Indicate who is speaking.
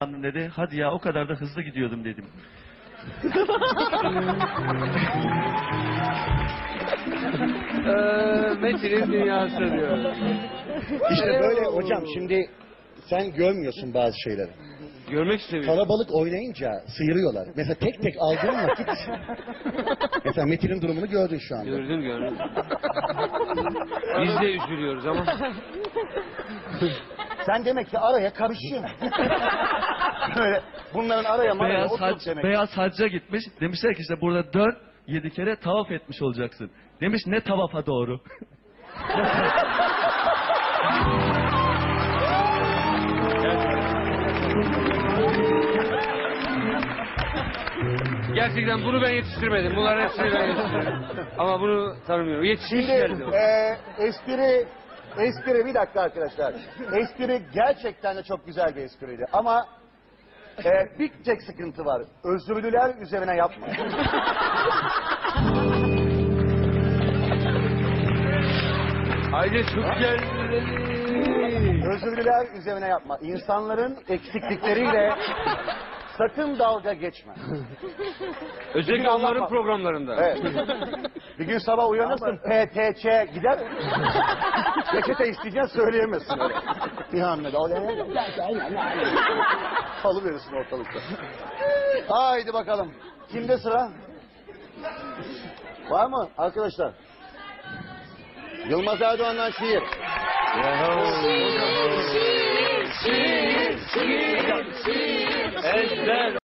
Speaker 1: dedi. Hadi ya o kadar da hızlı gidiyordum dedim.
Speaker 2: Metin'in dünyası diyor.
Speaker 3: İşte böyle hocam, şimdi sen görmüyorsun bazı şeyleri.
Speaker 2: Görmek istemiyorum.
Speaker 3: Kalabalık oynayınca sıyırıyorlar. Mesela tek tek aldığın vakit... Mesela Metin'in durumunu gördün şu anda.
Speaker 2: Gördüm. Biz de üzülüyoruz ama.
Speaker 3: Sen demek ki araya karışıyorsun. Böyle bunların araya maraya oturup demek.
Speaker 1: Beyaz hacca gitmiş. Demişler ki işte burada dön 7 kere tavaf etmiş olacaksın. Demiş ne tavafa doğru.
Speaker 2: Gerçekten bunu ben yetiştirmedim. Bunların hepsini ben yetiştirdim. Ama bunu tanımıyorum. Yetiştirdim.
Speaker 3: Şimdi espri bir dakika arkadaşlar. Espri gerçekten de çok güzel bir espriydi. Ama bir tek sıkıntı var. Özürlüler üzerine yapma.
Speaker 2: Aile çok güzel.
Speaker 3: Özürlüler üzerine yapma. İnsanların eksiklikleriyle sakın dalga geçme.
Speaker 2: Özellikle onların programlarında.
Speaker 3: Evet. Bir gün sabah uyanırsın, PTC gider. Reçete isteyeceksin, söyleyemezsin öyle. Bir hamlede. Salıverirsin ortalıkta. Haydi bakalım. Kimde sıra? Var mı arkadaşlar? Yılmaz Erdoğan'dan şiir.
Speaker 2: Ezber